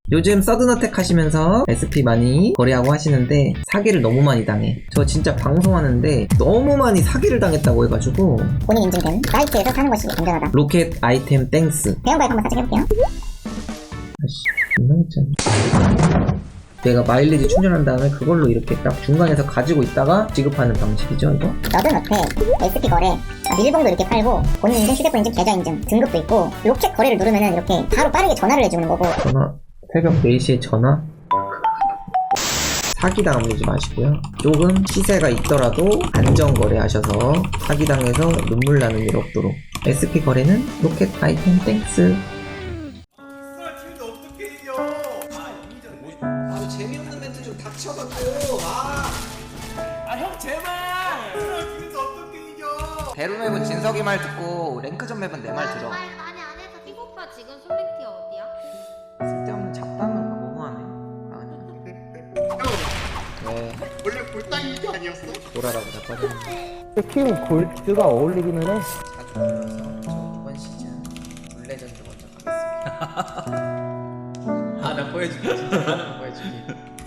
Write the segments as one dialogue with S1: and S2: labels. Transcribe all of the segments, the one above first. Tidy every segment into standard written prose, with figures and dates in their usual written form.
S1: 요즘 서든어택 하시면서 SP 많이 거래하고 하시는데 사기를 너무 많이 당해. 저 진짜 방송하는데 너무 많이 사기를 당했다고 해가지고
S2: 본인 인증된 사이트에서 사는 것이 안전하다.
S1: 로켓 아이템 땡스.
S2: 회원가입 한번 살짝 해볼게요.
S1: 아씨 존나 했잖아. 내가 마일리지 충전한 다음에 그걸로 이렇게 딱 중간에서 가지고 있다가 지급하는 방식이죠 이거.
S2: 서든어택, SP 거래, 밀봉도 이렇게 팔고 본인 인증, 휴대폰 인증, 계좌 인증, 등급도 있고 로켓 거래를 누르면은 이렇게 바로 빠르게 전화를 해주는 거고.
S1: 전화 새벽 4시에 전화? 사기당하지 마시고요. 조금 시세가 있더라도 안전거래 하셔서 사기당해서 눈물 나는 일 없도록. SP 거래는 로켓 아이템 땡스. 아 재미없는 멘트 좀 닥쳐갖고.
S3: 형 제발! 어떻게 이겨?
S1: 배로 맵은 진석이 말 듣고 랭크전 맵은 내 말 들어.
S4: 아니 안 해서 삐 오빠 지금 솔랭티 어디야?
S1: 쓸데없는 잡담을 너무하네. 네,
S3: 원래 골당이 이게 아니었어?
S1: 보라라고 자빠졌네.
S5: 팀 골드가 어울리기는 해.
S1: 자주 불러서 저 이번 시즌 룰레전드 먼저 가겠습니다.
S3: 나 보여줄게 진짜 하나 보여줄게.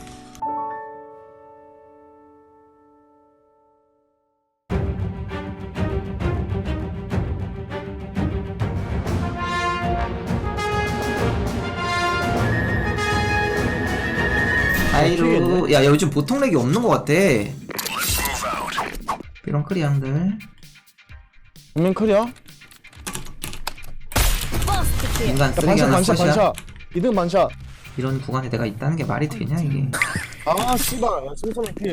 S1: 아이로 야 요즘 보통 렉이 없는 것 같아. 이런 크리앙들
S5: 정면 클리어.
S1: 인간 쓰레기
S5: 반샷
S1: 하나
S5: 반샷
S1: 컷이야.
S5: 반샷. 이등 반샷.
S1: 이런 구간에 내가 있다는 게 말이 되냐 이게.
S5: 아 씨발. 야 simson 피.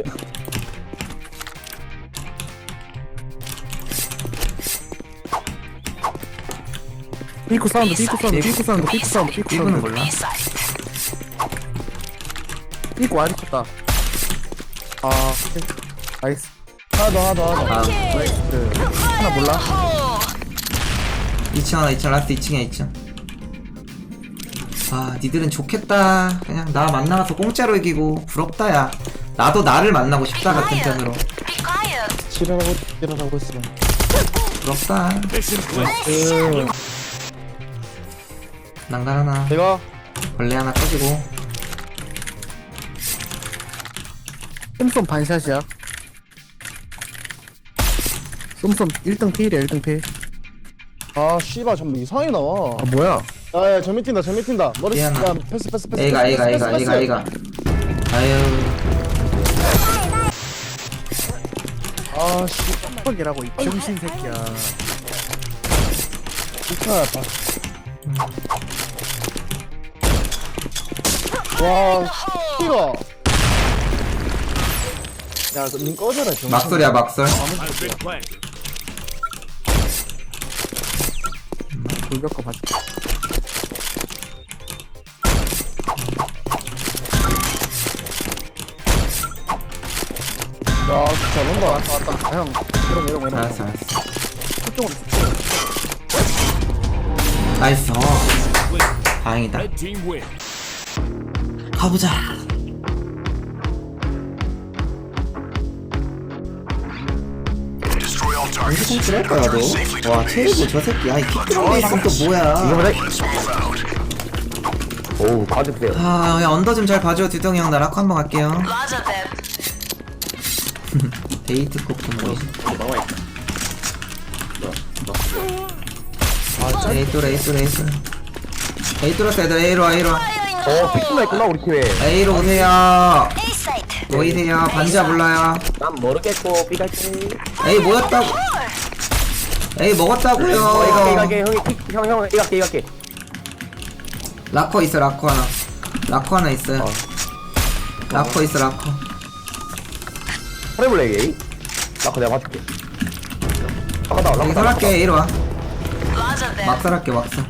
S5: 피코 사운드 피코 사운드 피코 사운드 피코 사운드 피코
S1: 이거는
S5: 사운드.
S1: 몰라.
S5: 피코 와리 쳤다. 아 나이스. 하나 더.
S1: 아
S5: 나이스. 하나 몰라.
S1: 2층 하나 2층 라스트 2층이야 2층. 아 니들은 좋겠다. 그냥 나 만나서 공짜로 이기고 부럽다 야. 나도 나를 만나고 싶다 같은 편으로.
S5: 지랄하고 있어.
S1: 부럽다. 난간 하나
S5: 내가
S1: 벌레 하나 꺼지고.
S5: 쏨쏨 반샷이야. 쏨쏨 1등 필이야 1등 필.
S6: 아 씨발 전부 이상하게 나와.
S5: 아 뭐야?
S6: 야야 전미 튄다 머리
S1: 미안하.
S6: 야 패스
S1: A가 아유
S6: 아씨
S5: 뻑이라고 이 병신 새끼야.
S6: 진짜 와 씨가 야님 꺼져라 좀.
S1: 막설이야 막설.
S5: 돌벽거 봐줘.
S6: 야 잘한다.
S5: 왔다. 형 이런.
S1: 알았어
S5: 그쪽으로.
S1: 나이스. 다행이다. 가보자. 언제 통치를 할 거야 너? 와 체리고 저 새끼 아이 킥드럼에 있으면 또 뭐야.
S5: 오 봐주세요.
S1: 아 야 언더 좀 잘 봐줘. 듀덩이 형. 나 라코 한번 갈게요. 데이트 코프 뭐지? 에이토라스 애들 A로
S5: 피크나 있구나 우리 팀에.
S1: A로 오세요. 보이세요? 반지하 불러요.
S5: 난 모르겠고 삐갈게.
S1: A 뭐였다고? A 먹었다고요.
S5: 형 이갈게.
S1: 라커 있어 라커 하나 있어요. 라커 있어 라커.
S5: 해볼래 게이? 나그 내가 봐줄게.
S1: 여기 설할게. A로 와. 막설할게 막설.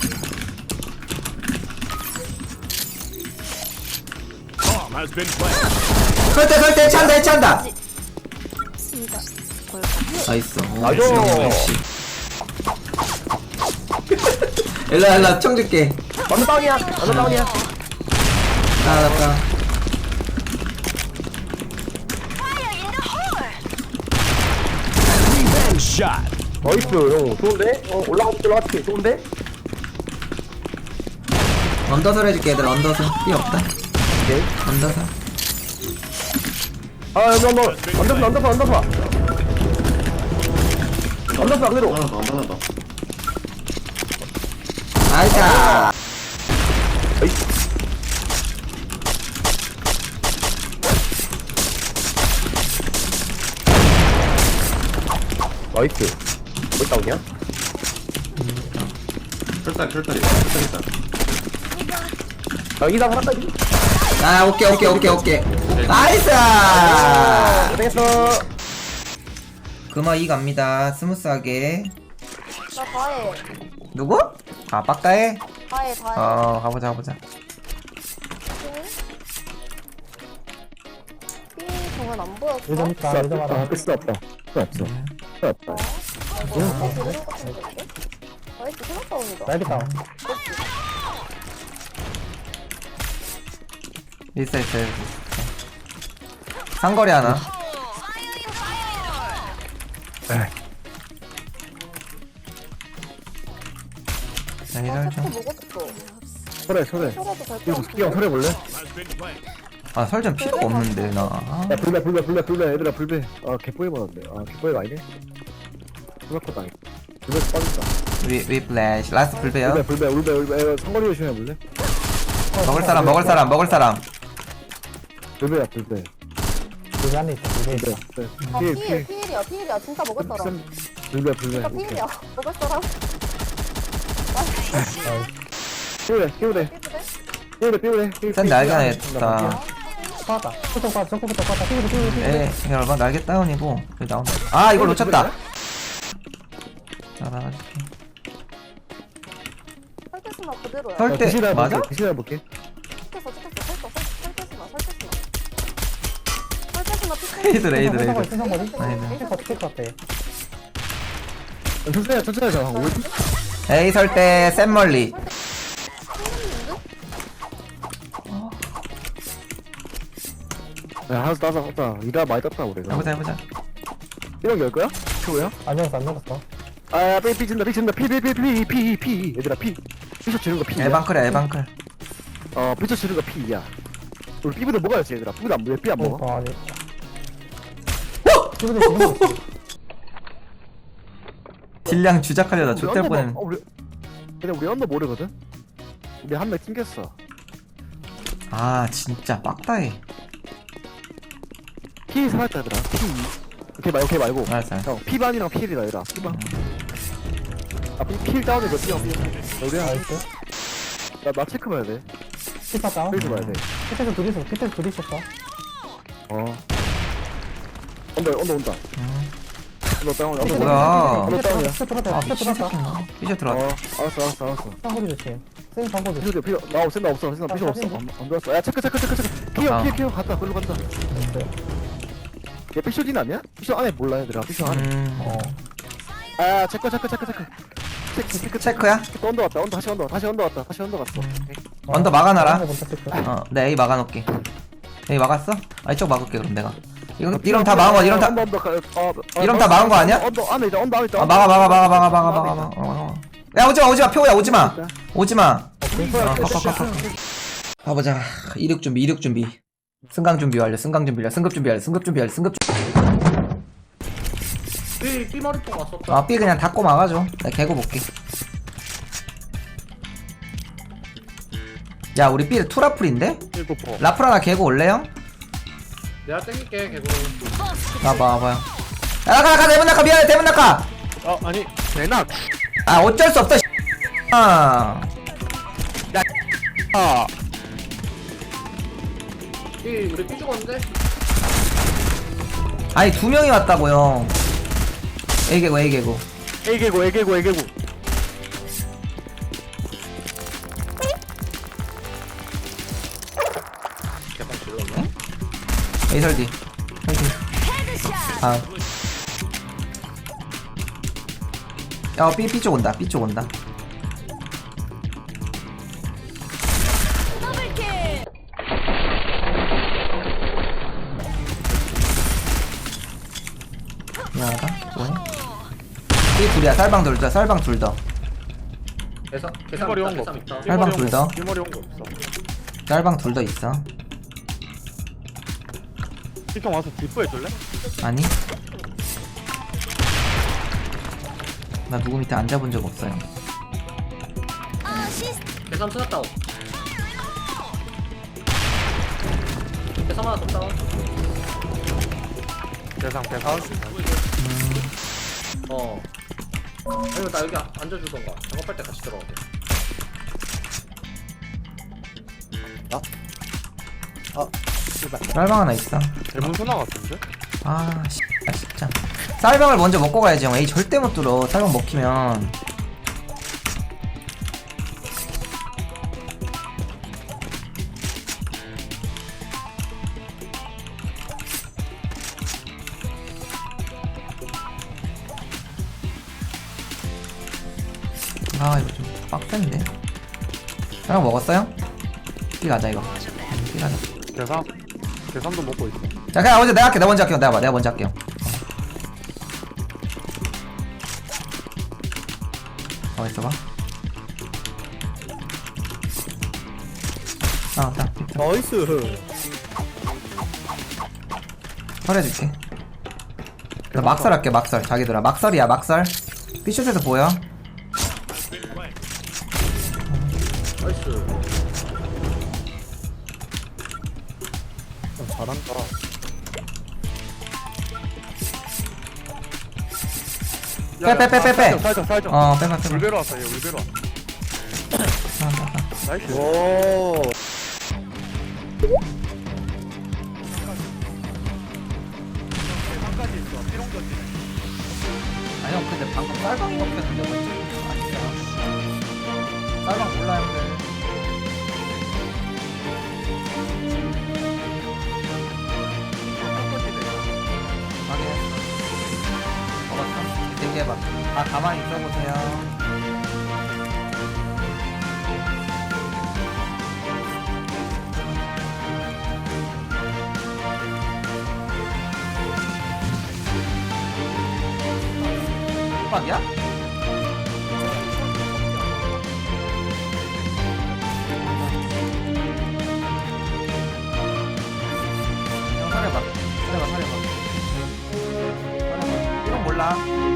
S1: 설대 찬다. 나이스. 역시. 일라 청 줄게.
S5: 완전 다운이야.
S1: 나갔다.
S5: 나이스 형 좋은데? 올라가줄게 좋은데?
S1: 언더설 해줄게 얘들 언더설 삐 없다
S6: 오케이.
S1: 언더설
S6: 아, 언더파. 언더파 그대로.
S3: 하나 더, 하나 더.
S1: 아이자
S6: 나이스. 몇 다운이야?
S3: 철다리.
S6: 아, 이당 하나까지.
S1: 아 오케이 나이스
S6: 되겠어.
S1: 금화 2 갑니다 스무스하게
S4: 나 다해.
S1: 누구? 아 빡다해?
S4: 다해.
S1: 가보자
S4: 삐 정말 안 보였어?
S6: 필수 없다. 필수 없다.
S4: 나이스 생각 다운이다.
S6: 나이겠다.
S1: 있어 상거리 하나 자 이럴 좀
S4: 먹었어.
S6: 소래.
S4: 소라도 될
S6: 이거
S4: 것
S6: 스키형 소래 볼래?
S1: 아 설정 필요가 없는데 나
S6: 야, 불배. 얘들아, 불배. 아, 개뽀이 받았네. 아, 개뽀이가 아니네. 불배컷도 아니고. 불배 빠졌다.
S1: 위 플래시 라스트 불배요
S6: 불배. 야, 상거리 조심해 볼래?
S1: 먹을 사람
S6: 불배야, 불배. 불배 안에 있다, 불배.
S4: 아, 피일이야. 진짜 먹을 사람.
S6: 불배.
S4: 진짜 피일이야. 먹을 사람.
S6: 끼우래.
S1: 센 날개 하나 했다
S6: 빠다.
S1: 에 열봐 날개 다운이고 여기 나온다 아 이걸 놓쳤다 자 나가줄게
S4: 설대스나 그대로야.
S1: 설대 맞아?
S6: 디시나 볼게.
S4: 설대스나
S6: 천천히 하자. 한 5분.
S1: 에이 설대 센 멀리
S6: 야, 하나 따자. 이라 많이 땄다, 우리가.
S1: 해보자
S6: 이런 게 열 거야? 최고야? 안 열었어. 아, 삐 진다. 피. 얘들아, 피. 피셔 치는 거 피야.
S1: 에방클
S6: 피셔 치는 거 피야. 우리 삐부도 먹어야지, 얘들아. 삐부도 안 먹어. 삐 안 먹어.
S5: 아니.
S1: 딜량 주작하려다 좆될
S6: 우리
S1: 뻔했네
S6: 근데 우리 언더 모르거든? 우리 한 명 튕겼어.
S1: 아 진짜 빡다해
S6: 피 살았다, 얘들아. 피. 오케이 말고.
S1: 알았어
S6: 형, 피반이랑 필이라, 얘들아. 피반. 아, 필 다운이 몇 피야, 우리야. 나 체크 봐야 돼.
S5: 피파 다운.
S6: 필드 봐야 돼.
S5: 끝에서 둘이 있었어.
S6: 온다. 언더 다운. 언더
S1: 뭐야
S6: 언더 다운이야.
S1: 아 미친 새끼인가 삐져 들어왔다
S6: 알았어.
S5: 상고리 조심. 쌤 상고리.
S6: 필요 없어. 필요 없어. 안 들어왔어. 야, 체크. 피어. 갔다. 글로 간다. 얘 피쇼딘 아니야? 피쇼 안에 몰라, 얘들아. 피쇼 안에. 아, 체크.
S1: 체크야?
S6: 언더 왔다. 다시 언더 갔어.
S1: 언더 막아놔라
S5: 먼저 체크.
S1: 내 A 막아놓을게 A 막았어? 아 이쪽 막을게 그럼 내가 이런 다 막은 거 이런 다 이런 다 막은 거 아니야?
S6: 언더 안에 있다.
S1: 아 막아 야 오지마 표야 오지마 가보자 이륙 준비 승강 준비 완료 승급 준비
S3: 삐 머리통 왔었다.
S1: B 그냥 닫고 막아줘 내가 개고 볼게 야 우리 B 투라풀인데? 라풀 하나 개고 올래요?
S3: 내가 땡길게, 개구.
S1: 와봐요 야 가 대문 낙하 미안해 대문 낙하
S3: 아니.
S6: 대낙.
S1: 아 어쩔 수 없다 아
S3: 우리 삐 죽었는데?
S1: 아니 두 명이 왔다고요 A 개고
S6: 애개고.
S1: A 설디 아 야, B쪽 온다. 미안하다. 뭐해? B 둘이야. 쌀방 둘 더.
S3: 계산
S7: 뒷머리
S3: 있다
S7: 온 거
S3: 계산
S7: 없어.
S3: 있다.
S1: 쌀방 둘 더.
S7: 뒷머리 온 거 없어.
S1: 짤방 둘 더 있어.
S7: 피통 와서 뒷부 해줄래?
S1: 아니? 나 누구 밑에 앉아본 적 없어요.
S3: 계산 찾았다. 계산 하나 더 다운.
S7: 계산.
S3: 아니면 나 여기 앉아주던가. 작업할 때 같이 들어가게.
S1: 쌀방 하나 있어.
S7: 대문 소나 같은데?
S1: 아, 진짜. 쌀방을 먼저 먹고 가야지, 형. 에이, 절대 못 뚫어. 쌀방 먹히면. 아, 이거 좀 빡센데. 쌀방 먹었어요? 삐 가자, 이거. 삐 가자.
S7: 계산도 먹고 있어.
S1: 자, 그냥 먼저 내가 할게. 내가 먼저 할게요. 내가 먼저 할게요. 있어봐. 딱.
S5: 나이스.
S1: 설해줄게. 나 막설 할게, 막설. 자기들아. 막설이야, 막설. 피슛에서 보여.
S3: 나이스.
S6: 잘한다.
S1: 빼.
S7: 살짝.
S1: 빼봐.
S7: 울베로 왔어, 얘 울베로 왔어. 나이스.
S6: 오.
S7: 계산까지 있어. 피롱까지.
S1: 아니, 형, 근데 방금 쌀방 먹혔는데, 뭔지. 아니야. 쌀방 몰라, 형들. 확인. 먹었어. 얘기해봐. 아, 가만히 있어보세요. 빡이야? 형, 사려봐. 이건 몰라.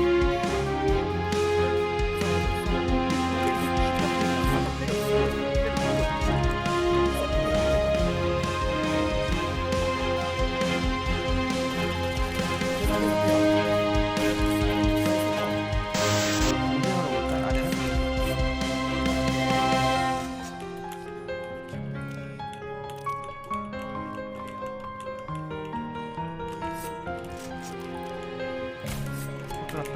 S1: 들었다.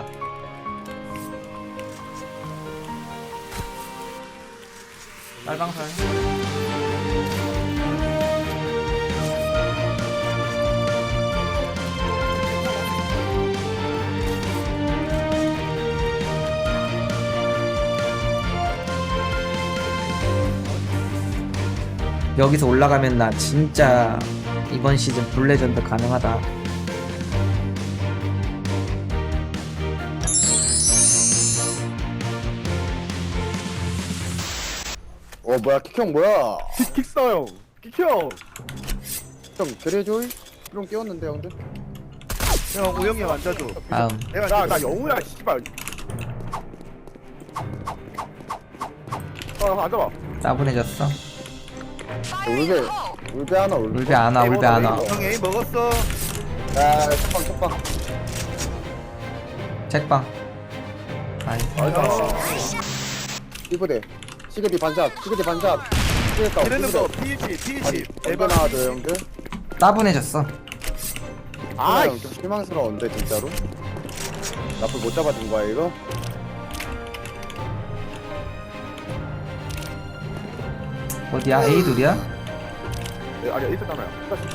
S1: 빨방살. 여기서 올라가면 나 진짜 이번 시즌 블레전드 가능하다.
S6: 뭐야 킥형 뭐야?
S7: 킥써 형. 킥형.
S6: 형 그래줘. 그럼 깨웠는데 형들.
S7: 형 우영이 형 앉아줘.
S1: 다음.
S7: 내가 나 영우야 씨발. 앉아봐.
S1: 따분해졌어.
S6: 울베 하나 울베.
S1: 울베 안와, 울베 안와.
S7: 형 A 먹었어.
S6: 야 첫방.
S1: 책방. 아이.
S6: 이부대. 시그디 반잡.
S7: 이러는 거 P20.
S6: 대박 나와줘 형들.
S1: 따분해졌어.
S6: 아 실망스러운데 진짜로. 나쁠 못 잡아준 거야 이거?
S1: 어디야? A 둘이야?
S7: 아니야 이쪽 하나야.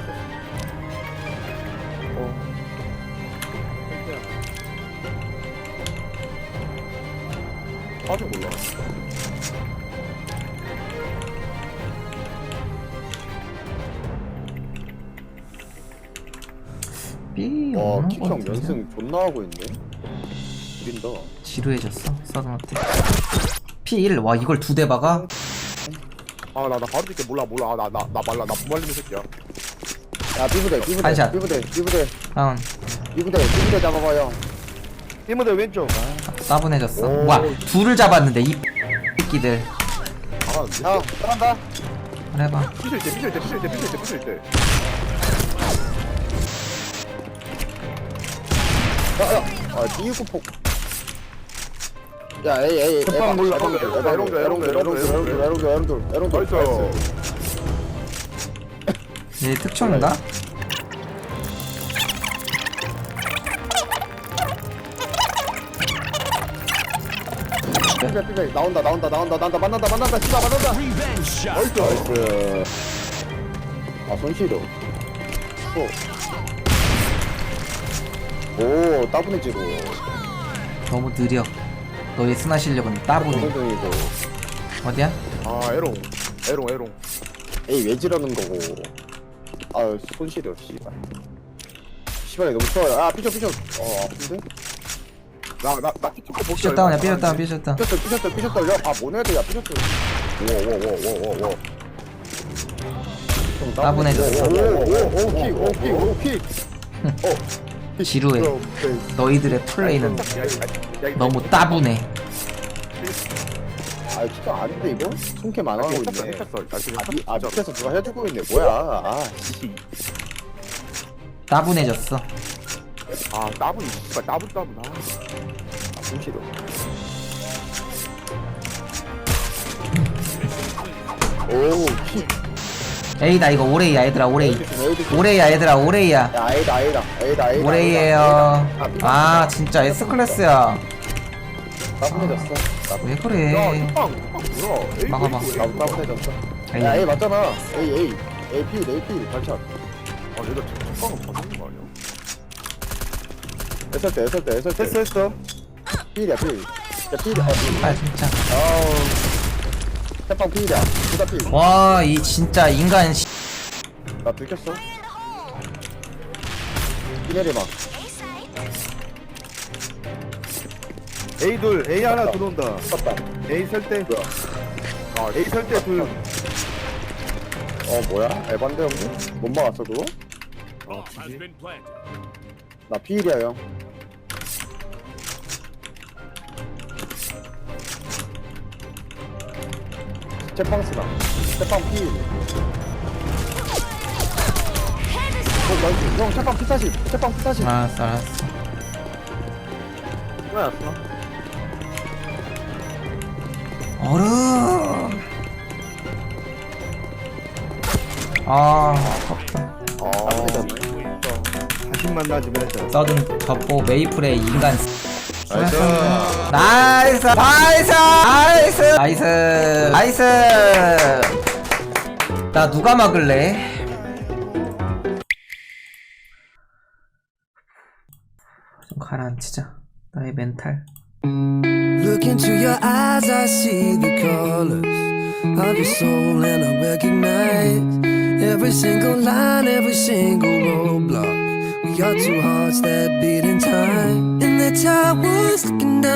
S6: 아직 몰라.
S1: B
S6: 와
S1: 없는 거
S6: 킥형
S1: 같은데?
S6: 연승 존나 하고 있네. 우린다.
S1: 지루해졌어. 서든어택. P1. 와 이걸 2대 박아?
S7: 아나 바로 줄게 몰라 나 말라 나 무말리는 새끼야.
S6: 야 삐부대
S1: 한샷.
S6: 삐부대
S1: 다운.
S6: 삐부대 잡아봐요.
S7: 삐무대 왼쪽.
S1: 따분해졌어.
S6: 오.
S1: 와 둘을 잡았는데 이 새끼들.
S7: 아
S6: 야 들어간다.
S1: 그래 봐.
S7: 피실 때.
S6: 아 삐구폭. 야 에이
S7: 첫방 몰라.
S6: 에롱들
S7: 나이스.
S1: 얘 특총인가?
S6: 삐 나온다 만난다 씨발 만난다. 나이스. 아 손실도. 오 따분해지고.
S1: 너무 느려. 너의 스나 실력은 따분해.
S6: 동동이고.
S1: 어디야?
S7: 아 에롱.
S6: 에이 왜 지르는 거고. 아 손실이요 씨발. 씨발이 너무 추워요. 아 삐져. 아픈데?
S7: 나 티켓 복귀.
S1: 삐졌다운이야 삐졌다운.
S6: 삐졌다. 야, 아, 뭐네, 야, 삐졌어. 오.
S1: 따분해졌어.
S6: 킥.
S1: 지루해. 너희들의 플레이는 너무 따분해.
S6: 아, 진짜 아닌데, 이거? 손캠 안 하고 있네.
S7: 아
S6: 밑에서 누가 해주고 있네. 뭐야. 아, 씨.
S1: 따분해졌어.
S7: 따분 씨발 따분.
S6: 손실어. 오, 킥.
S1: 에이다 이거 오레이야 얘들아 오레이. 오레이야 얘들아 오레이야.
S6: 야, A다.
S1: 오레이에요. 아 진짜 S클래스야.
S6: 따분해졌어.
S1: 왜
S7: 야
S1: 그래?
S7: 뚜빵 뭐야? 에이,
S1: 막아봐.
S7: 에이, 에이.
S6: 나도 따분해졌어.
S1: 에이.
S6: 야, A 맞잖아. A. AP, 발차.
S7: 아 얘가 뚜빵은 받는 거 아니야?
S6: 했을 때.
S7: 했어.
S6: 필이야, 필. 야, 필이야.
S1: 아 진짜.
S6: 아우. 태빵 필이야. 둘다 필.
S1: 와 이 진짜 인간 씨.
S6: 나 들켰어. 피내리 막.
S7: A 둘 A 하나 들어온다.
S6: 떴다.
S7: A 설대.
S6: 뭐야?
S7: A 설대 둘.
S6: 뭐야? 에반데 형님? 못 막았어 그거? 나 피일이야 형. 제빵스다. 제빵 피일. 나이스. 형 제빵 P40. 제빵 P40.
S1: 알았어.
S6: 뭐야?
S1: 얼음. 아 아깝다.
S6: 안 되잖아.
S7: 다시 만나지 말자.
S1: 써든 덮고 메이플의 인간.
S7: 나이스.
S1: 나이스. 나 누가 막을래? 좀 가라앉히자. 나의 멘탈.
S8: Look into your eyes, I see the colors of your soul, and I recognize every single line, every single roadblock. We are two hearts that beat in time, and that's how I was looking down.